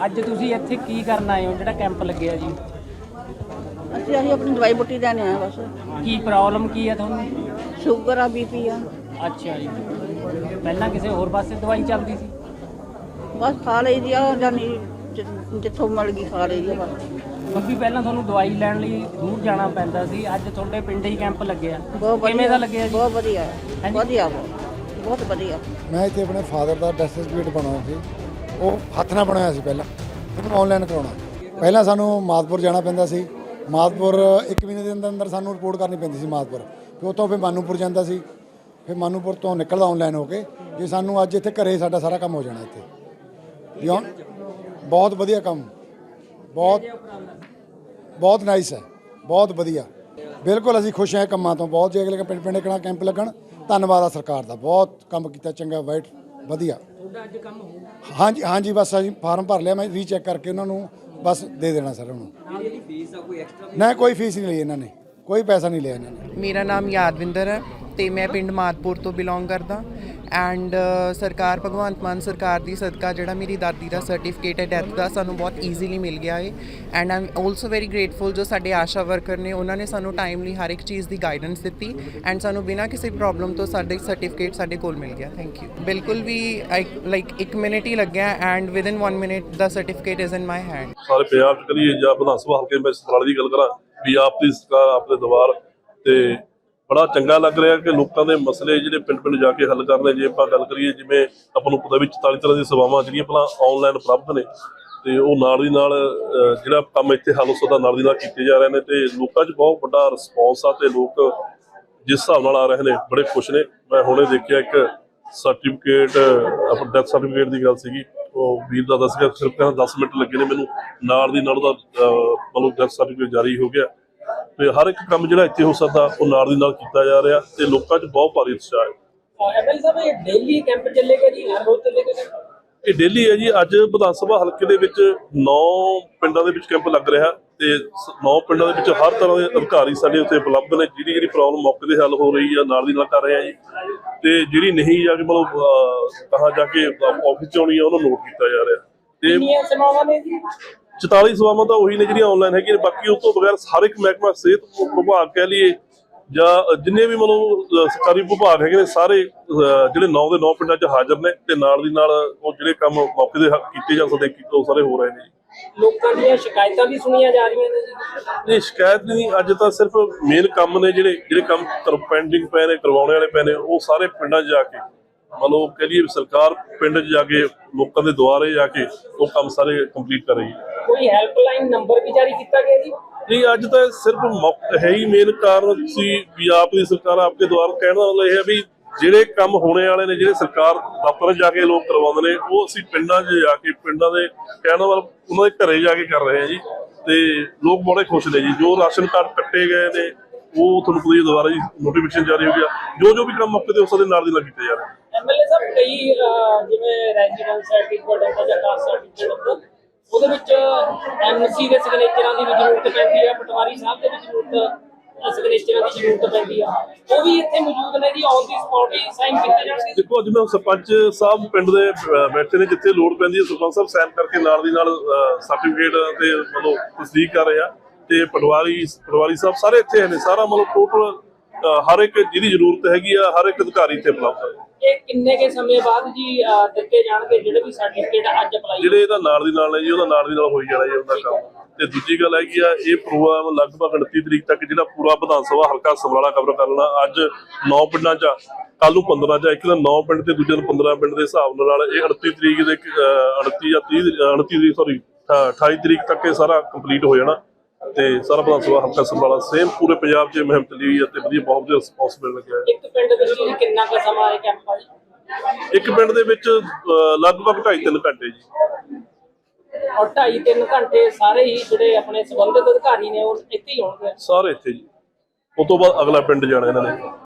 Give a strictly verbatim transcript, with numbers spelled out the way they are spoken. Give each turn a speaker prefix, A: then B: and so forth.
A: ਅੱਜ ਤੁਸੀਂ ਇੱਥੇ ਕੀ ਕਰਨ ਆਏ ਹੋ ਜਿਹੜਾ ਕੈਂਪ ਲੱਗਿਆ ਜੀ?
B: ਅਸੀਂ ਅਸੀਂ ਆਪਣੀ ਦਵਾਈ ਬੁੱਟੀ ਲੈਣ ਆਏ ਬਸ।
A: ਕੀ ਪ੍ਰੋਬਲਮ ਕੀ ਹੈ ਤੁਹਾਨੂੰ?
B: ਸ਼ੂਗਰ ਆ, ਬੀਪੀ ਆ।
A: ਅੱਛਾ ਜੀ, ਪਹਿਲਾਂ ਕਿਸੇ ਹੋਰ ਪਾਸੇ ਦਵਾਈ ਚੱਲਦੀ ਸੀ?
B: ਬਸ ਖਾ ਲਈ ਦੀ ਆ, ਜਾਨੀ ਜਿੱਥੋਂ ਮਿਲ ਗਈ ਖਾ ਲਈ ਦੀ ਆ ਬਸ।
A: ਬੀਬੀ ਪਹਿਲਾਂ ਤੁਹਾਨੂੰ ਦਵਾਈ ਲੈਣ ਲਈ ਦੂਰ ਜਾਣਾ ਪੈਂਦਾ ਸੀ, ਅੱਜ ਤੁਹਾਡੇ ਪਿੰਡ ਹੀ ਕੈਂਪ ਲੱਗਿਆ।
B: ਬਹੁਤ
A: ਕਿਵੇਂ
B: ਵਧੀਆ
A: ਦਾ ਲੱਗਿਆ ਜੀ?
B: ਬਹੁਤ ਵਧੀਆ
A: ਹਾਂਜੀ।
B: ਵਧੀਆ ਬਹੁਤ ਬਹੁਤ ਵਧੀਆ।
C: ਮੈਂ ਇੱਥੇ ਆਪਣੇ ਫਾਦਰ ਦਾ ਡੈਥ ਸਰਟੀਫਿਕੇਟ ਬਣਾਉਣਾ ਸੀ, ਉਹ ਹੱਥ ਨਾਲ ਬਣਾਇਆ ਸੀ ਪਹਿਲਾਂ, ਉਹਨੂੰ ਆਨਲਾਈਨ ਕਰਾਉਣਾ। ਪਹਿਲਾਂ ਸਾਨੂੰ ਮਾਦਪੁਰ ਜਾਣਾ ਪੈਂਦਾ ਸੀ, ਮਾਦਪੁਰ ਇੱਕ ਮਹੀਨੇ ਦੇ ਅੰਦਰ ਅੰਦਰ ਸਾਨੂੰ ਰਿਪੋਰਟ ਕਰਨੀ ਪੈਂਦੀ ਸੀ ਮਾਦਪੁਰ, ਫਿਰ ਉੱਥੋਂ ਫਿਰ ਮਾਨੂਪੁਰ ਜਾਂਦਾ ਸੀ, ਫਿਰ ਮਾਨੂਪੁਰ ਤੋਂ ਨਿਕਲਦਾ ਆਨਲਾਈਨ ਹੋ ਕੇ। ਜੇ ਸਾਨੂੰ ਅੱਜ ਇੱਥੇ ਘਰੇ ਸਾਡਾ ਸਾਰਾ ਕੰਮ ਹੋ ਜਾਣਾ ਇੱਥੇ। ਬਹੁਤ ਵਧੀਆ ਕੰਮ, ਬਹੁਤ ਬਹੁਤ ਨਾਈਸ ਹੈ, ਬਹੁਤ ਵਧੀਆ। ਬਿਲਕੁਲ ਅਸੀਂ ਖੁਸ਼ ਹਾਂ ਕੰਮਾਂ ਤੋਂ ਬਹੁਤ। ਜੇ ਅਗਲੇ ਪਿੰਡ ਪਿੰਡ ਕਿਹੜਾ ਕੈਂਪ ਲੱਗਣ, ਧੰਨਵਾਦ ਆ ਸਰਕਾਰ ਦਾ, ਬਹੁਤ ਕੰਮ ਕੀਤਾ, ਚੰਗਾ ਵਾਈਟ ਵਧੀਆ।
A: ਤੁਹਾਡਾ ਅੱਜ ਕੰਮ ਹੋਊਗਾ? ਹਾਂਜੀ
C: ਹਾਂਜੀ, ਬਸ ਅਸੀਂ ਫਾਰਮ ਭਰ ਲਿਆ, ਮੈਂ ਰੀਚੈੱਕ ਕਰਕੇ ਉਹਨਾਂ ਨੂੰ ਬਸ ਦੇ ਦੇਣਾ ਸਰ ਉਹਨੂੰ। ਨਾ ਕੋਈ ਫੀਸ ਨਹੀਂ ਲਈ ਇਹਨਾਂ ਨੇ, ਕੋਈ ਪੈਸਾ ਨਹੀਂ ਲਿਆ ਇਹਨਾਂ ਨੇ।
D: ਮੇਰਾ ਨਾਮ ਯਾਦਵਿੰਦਰ ਹੈ ਤੇ ਮੈਂ ਪਿੰਡ ਮਾਦਪੁਰ ਤੋਂ ਬਿਲੋਂਗ ਕਰਦਾ ਐਂਡ ਸਰਕਾਰ ਭਗਵੰਤ ਮਾਨ ਸਰਕਾਰ ਦੀ ਸਦਕਾ ਜਿਹੜਾ ਮੇਰੀ ਦਾਦੀ ਦਾ ਸਰਟੀਫਿਕੇਟ ਹੈ ਡੈਥ ਦਾ ਸਾਨੂੰ ਬਹੁਤ ਈਜ਼ੀਲੀ ਮਿਲ ਗਿਆ ਹੈ and I am also very grateful ਜੋ ਸਾਡੇ ਆਸ਼ਾ ਵਰਕਰ ਨੇ, ਉਹਨਾਂ ਨੇ ਸਾਨੂੰ ਟਾਈਮਲੀ ਹਰ ਇੱਕ ਚੀਜ਼ ਦੀ ਗਾਈਡੈਂਸ ਦਿੱਤੀ ਐਂਡ ਸਾਨੂੰ ਬਿਨਾਂ ਕਿਸੇ ਪ੍ਰੋਬਲਮ ਤੋਂ ਸਾਡੇ ਸਰਟੀਫਿਕੇਟ ਸਾਡੇ ਕੋਲ ਮਿਲ ਗਿਆ। Thank you. ਬਿਲਕੁਲ ਵੀ ਲਾਈਕ ਇੱਕ ਮਿੰਟ ਹੀ ਲੱਗਿਆ ਐਂਡ ਵਿਦਨ ਵਨ ਮਿੰਟ ਦਾ certificate is in my hand.
E: ਸਾਰੇ ਪੰਜਾਬ 'ਚ ਕਰੀਏ ਜਾਂ ਵਿਧਾਨ ਸਭਾ ਹਲਕੇ ਮੈਂ ਸਮਰਾਲੇ ਦੀ ਗੱਲ ਕਰਾਂ ਵੀ ਆਪ ਦੀ ਸਰਕਾਰ ਆਪਣੇ ਦਵਾਰ ਤੇ ਬੜਾ ਚੰਗਾ ਲੱਗ ਰਿਹਾ ਕਿ ਲੋਕਾਂ ਦੇ ਮਸਲੇ ਜਿਹੜੇ ਪਿੰਡ ਪਿੰਡ ਜਾ ਕੇ ਹੱਲ ਕਰ ਰਹੇ। ਜੇ ਆਪਾਂ ਗੱਲ ਕਰੀਏ ਜਿਵੇਂ ਆਪਾਂ ਨੂੰ ਪਤਾ ਵੀ ਚੁਤਾਲੀ ਤਰ੍ਹਾਂ ਦੀਆਂ ਸੇਵਾਵਾਂ ਜਿਹੜੀਆਂ ਪਹਿਲਾਂ ਆਨਲਾਈਨ ਉਪਲਬਧ ਨੇ ਤੇ ਉਹ ਨਾਲ ਦੀ ਨਾਲ ਜਿਹੜਾ ਕੰਮ ਇੱਥੇ ਹੱਲ ਹੋ ਸਕਦਾ ਨਾਲ ਦੀ ਨਾਲ ਕੀਤੇ ਜਾ ਰਹੇ ਨੇ ਤੇ ਲੋਕਾਂ 'ਚ ਬਹੁਤ ਵੱਡਾ ਰਿਸਪੌਂਸ ਆ ਤੇ ਲੋਕ ਜਿਸ ਹਿਸਾਬ ਨਾਲ ਆ ਰਹੇ ਨੇ ਬੜੇ ਖੁਸ਼ ਨੇ। ਮੈਂ ਹੁਣੇ ਦੇਖਿਆ ਇੱਕ ਸਰਟੀਫਿਕੇਟ ਆਪਣਾ ਡੈਥ ਸਰਟੀਫਿਕੇਟ ਦੀ ਗੱਲ ਸੀਗੀ, ਉਹ ਵੀਰ ਦਾ ਦੱਸ ਗਿਆ ਸਿਰਫ ਕਹਿੰਦਾ ਦਸ ਮਿੰਟ ਲੱਗੇ ਨੇ ਮੈਨੂੰ, ਨਾਲ ਦੀ ਨਾਲ ਉਹਦਾ ਮਤਲਬ ਡੈਥ ਸਰਟੀਫਿਕੇਟ ਜਾਰੀ ਹੋ ਗਿਆ ਤੇ ਹਰ ਇੱਕ ਕੰਮ ਜਿਹੜਾ ਇੱਥੇ ਹੋ ਸਕਦਾ ਉਹ ਨਾਲ ਦੀ ਨਾਲ ਕੀਤਾ ਜਾ ਰਿਹਾ ਤੇ ਲੋਕਾਂ 'ਚ ਬਹੁਤ ਭਾਰੀ ਉਤਸ਼ਾਹ ਹੈ।
A: ਐਮਐਲਏ ਸਾਹਿਬ ਇਹ ਡੇਲੀ ਕੈਂਪ ਚੱਲੇਗਾ ਜੀ, ਹਰ ਰੋਜ਼ ਚੱਲੇਗਾ?
E: ਇਹ ਡੇਲੀ ਹੈ ਜੀ। ਅੱਜ ਵਿਧਾਨ ਸਭਾ ਹਲਕੇ ਦੇ ਵਿੱਚ ਨੌ ਪਿੰਡਾਂ ਦੇ ਵਿੱਚ ਕੈਂਪ ਲੱਗ ਰਿਹਾ ਤੇ ਨੌ ਪਿੰਡਾਂ ਦੇ ਵਿੱਚ ਹਰ ਤਰ੍ਹਾਂ ਦੇ ਅਧਿਕਾਰੀ ਸਾਡੇ ਉੱਤੇ ਉਪਲਬਧ ਨੇ। ਜਿਹੜੀ ਜਿਹੜੀ ਪ੍ਰੋਬਲਮ ਮੌਕੇ ਤੇ ਹੱਲ ਹੋ ਰਹੀ ਆ ਨਾਲ ਦੀ ਨਾਲ ਕਰ ਰਹੇ ਆ ਜੀ ਤੇ ਜਿਹੜੀ ਨਹੀਂ ਜਾ ਕੇ ਮਤਲਬ ਕਹਾਂ ਜਾ ਕੇ ਆਫਿਸ 'ਚ ਆਉਣੀ ਆ ਉਹਨੂੰ ਨੋਟ ਕੀਤਾ ਜਾ ਰਿਹਾ। ਤੇ
A: ਕਿੰਨੀਆਂ ਸੇਵਾਵਾਂ ਨੇ ਜੀ?
E: ਚੁਤਾਲੀ ਸੇਵਾਵਾਂ ਤਾਂ ਉਹੀ ਨੇ ਜਿਹੜੀਆਂ ਆਨਲਾਈਨ ਹੈਗੀਆਂ, ਬਾਕੀ ਉਸ ਤੋਂ ਬਗੈਰ ਹਰ ਇੱਕ ਮਹਿਕਮਾ ਸਿਹਤ ਵਿਭਾਗ ਕਹਿ ਲਈਏ ਜਾਂ ਜਿੰਨੇ ਵੀ ਮਤਲਬ ਸਰਕਾਰੀ ਵਿਭਾਗ ਹੈਗੇ ਨੇ ਸਾਰੇ ਜਿਹੜੇ ਨੌ ਦੇ ਨੌ ਪਿੰਡਾਂ 'ਚ ਹਾਜ਼ਰ ਨੇ ਤੇ ਨਾਲ ਦੀ ਨਾਲ ਉਹ ਜਿਹੜੇ ਕੰਮ ਮੌਕੇ ਦੇ ਕੀਤੇ ਜਾ ਸਕਦੇ ਉਹ ਸਾਰੇ ਹੋ ਰਹੇ ਨੇ।
A: ਲੋਕਾਂ ਦੀਆਂ ਸ਼ਿਕਾਇਤਾਂ ਵੀ ਸੁਣੀਆਂ ਜਾ ਰਹੀਆਂ ਨੇ ਜੀ?
E: ਨਹੀਂ, ਸ਼ਿਕਾਇਤ ਨਹੀਂ। ਅੱਜ ਤਾਂ ਸਿਰਫ ਮੇਨ ਕੰਮ ਨੇ ਜਿਹੜੇ ਜਿਹੜੇ ਕੰਮ ਪੈਂਡਿੰਗ ਪਏ ਨੇ, ਕਰਵਾਉਣੇ ਵਾਲੇ ਪਏ ਨੇ, ਉਹ ਸਾਰੇ ਪਿੰਡਾਂ 'ਚ ਜਾ ਕੇ ਮਤਲਬ ਕਹਿ ਲਈਏ ਸਰਕਾਰ ਪਿੰਡ 'ਚ ਜਾ ਕੇ ਲੋਕਾਂ ਦੇ ਦੁਆਰੇ ਜਾ ਕੇ ਉਹ ਕੰਮ ਸਾਰੇ ਕੰਪਲੀਟ ਕਰ ਰਹੀ ਹੈ।
A: ਕੋਈ ਹੈਲਪਲਾਈਨ ਨੰਬਰ ਵੀ ਜਾਰੀ ਕੀਤਾ ਗਿਆ ਜੀ?
E: ਨਹੀਂ, ਅੱਜ ਤਾਂ ਸਿਰਫ ਹੈ ਹੀ ਮੇਨ ਕਾਰਨ ਸੀ ਵੀ ਆਪ ਦੀ ਸਰਕਾਰ ਆਪਕੇ ਦੁਆਰ ਕਹਿਣ ਦਾ ਮਤਲਬ ਇਹ ਹੈ ਵੀ ਜਿਹੜੇ ਕੰਮ ਹੋਣੇ ਵਾਲੇ ਨੇ ਜਿਹੜੇ ਸਰਕਾਰ ਦਫ਼ਤਰ ਜਾ ਕੇ ਲੋਕ ਕਰਵਾਉਂਦੇ ਨੇ ਉਹ ਅਸੀਂ ਪਿੰਡਾਂ 'ਚ ਜਾ ਕੇ ਪਿੰਡਾਂ ਦੇ ਕਹਿਣ ਵਾਲ ਉਹਨਾਂ ਦੇ ਘਰੇ ਜਾ ਕੇ ਕਰ ਰਹੇ ਹਾਂ ਜੀ ਤੇ ਲੋਕ ਬੜੇ ਖੁਸ਼ ਨੇ ਜੀ। ਜੋ ਰਾਸ਼ਨ ਕਾਰਡ ਕੱਟੇ ਗਏ ਨੇ ਉਹ ਤੁਹਾਨੂੰ ਪਤਾ ਹੀ ਦੁਬਾਰਾ ਜੀ ਨੋਟੀਫਿਕੇਸ਼ਨ ਜਾਰੀ ਹੋ ਗਿਆ, ਜੋ ਜੋ ਵੀ ਕੰਮ ਮੌਕੇ ਤੇ ਉਸ ਦੇ ਨਾਲ ਦੀ ਨਾਲ ਕੀਤੇ ਜਾ ਰਹੇ।
A: ਐਮਐਲਏ ਸਾਹਿਬ ਕਈ ਜਿਵੇਂ ਰੈਜ਼ੀਡੈਂਸ ਸਰਟੀਫਿਕੇਟ ਹੁੰਦਾ ਜਾਂ ਕਾਸਟ ਸਰਟੀਫਿਕੇਟ ਹੁੰਦਾ ਉਹਦੇ ਵਿੱਚ ਐਮਸੀ ਦੇ ਸਿਗਨੇਚਰਾਂ ਦੀ ਵੀ ਜ਼ਰੂਰਤ ਪੈਂਦੀ ਹੈ, ਪਟਵਾਰੀ ਸਾਹਿਬ ਦੇ ਵੀ ਜ਼ਰੂਰਤ ਸਿਗਨੇਚਰਾਂ ਦੀ ਜ਼ਰੂਰਤ ਪੈਂਦੀ ਆ, ਉਹ ਵੀ ਇੱਥੇ ਮੌਜੂਦ ਨੇ ਜੀ? ਔਨ ਦੀ ਸਪੌਟ ਹੀ ਸਾਈਨ ਕੀਤੇ ਜਾਣਗੇ?
E: ਦੇਖੋ ਅੱਜ ਮੈਂ ਸਰਪੰਚ ਸਾਹਿਬ ਪਿੰਡ ਦੇ ਬੈਠੇ ਨੇ, ਜਿੱਥੇ ਲੋੜ ਪੈਂਦੀ ਹੈ ਸਰਪੰਚ ਸਾਹਿਬ ਸਾਈਨ ਕਰਕੇ ਨਾਲ ਦੀ ਨਾਲ ਸਰਟੀਫਿਕੇਟ ਤੇ ਮਤਲਬ ਤਸਦੀਕ ਕਰ ਰਹੇ ਆ ਤੇ ਪਟਵਾਰੀ ਪਟਵਾਰੀ ਸਾਹਿਬ ਸਾਰੇ ਇੱਥੇ ਨੇ। ਸਾਰਾ ਮਤਲਬ ਟੋਟਲ ਹਰ ਇੱਕ ਜਿਹਦੀ ਜ਼ਰੂਰਤ ਹੈਗੀ ਆ ਹਰ ਇੱਕ ਅਧਿਕਾਰੀ ਇੱਥੇ ਉਪਲਬਧ ਹੈ।
A: ਇਹ ਕਿੰਨੇ ਕੇ ਸਮੇਂ ਬਾਅਦ ਜੀ ਦਿੱਤੇ ਜਾਣਗੇ ਜਿਹੜੇ ਵੀ ਸਰਟੀਫਿਕੇਟ ਅੱਜ ਅਪਲਾਈ?
E: ਜਿਹੜੇ ਇਹਦਾ ਨਾਲ ਦੀ ਨਾਲ ਨੇ ਜੀ ਉਹਦਾ ਨਾਲ ਦੀ ਨਾਲ ਹੋਈ ਜਾਣਾ ਜੀ ਉਹਦਾ ਕੰਮ। ਤੇ ਦੂਜੀ ਗੱਲ ਹੈਗੀ ਆ ਇਹ ਪ੍ਰੋਗਰਾਮ ਲਗਭਗ ਉਨੱਤੀ ਤਰੀਕ ਤੱਕ ਜਿਹੜਾ ਪੂਰਾ ਵਿਧਾਨ ਸਭਾ ਹਲਕਾ ਸਮਰਾਲਾ ਕਵਰ ਕਰ ਲੈਣਾ। ਅੱਜ ਨੌ ਪਿੰਡਾਂ 'ਚ, ਕੱਲ ਨੂੰ ਪੰਦਰਾਂ 'ਚ, ਇੱਕ ਦਿਨ ਨੌ ਪਿੰਡ ਤੇ ਦੂਜੇ ਦਿਨ ਪੰਦਰਾਂ ਪਿੰਡ ਦੇ ਹਿਸਾਬ ਨਾਲ ਇਹ ਉਨੱਤੀ ਤਰੀਕ ਦੇ ਉਨੱਤੀ ਜਾਂ ਤੀਹ ਉਨੱਤੀ ਤਰੀਕ ਸੌਰੀ ਅਠਾਈ ਤਰੀਕ ਤੱਕ ਇਹ ਸਾਰਾ ਕੰਪਲੀਟ ਹੋ ਜਾਣਾ ਤੇ ਸਾਰਾ ਵਿਧਾਨ ਸਭਾ ਹਲਕਾ ਸਮਰਾਲਾ ਸੇਮ ਪੂਰੇ ਪੰਜਾਬ 'ਚ ਮੁਹਿੰਮ ਚੱਲੀ ਹੋਈ ਹੈ ਤੇ ਵਧੀਆ ਬਹੁਤ ਵਧੀਆ ਰਿਸਪੌਂਸ ਮਿਲ ਲੱਗਿਆ।
A: ਇੱਕ ਪਿੰਡ ਵਿੱਚ ਕਿੰਨਾ ਕੁ ਸਮਾਂ ਇਹ ਕੈਂਪ ਆ ਜੀ?
E: ਇੱਕ ਪਿੰਡ ਦੇ ਵਿੱਚ ਲਗਭਗ ਢਾਈ ਤਿੰਨ ਘੰਟੇ ਜੀ।
A: ਔਰ ਢਾਈ ਤਿੰਨ ਘੰਟੇ ਸਾਰੇ ਹੀ ਜਿਹੜੇ ਆਪਣੇ ਸੰਬੰਧਿਤ ਅਧਿਕਾਰੀ ਨੇ ਉਹ ਇੱਥੇ ਹੀ ਹੋਣਗੇ?
E: ਸਾਰੇ ਇੱਥੇ ਜੀ, ਉਸ ਤੋਂ ਬਾਅਦ ਅਗਲਾ ਪਿੰਡ ਜਾਣਾ ਇਹਨਾਂ ਨੇ।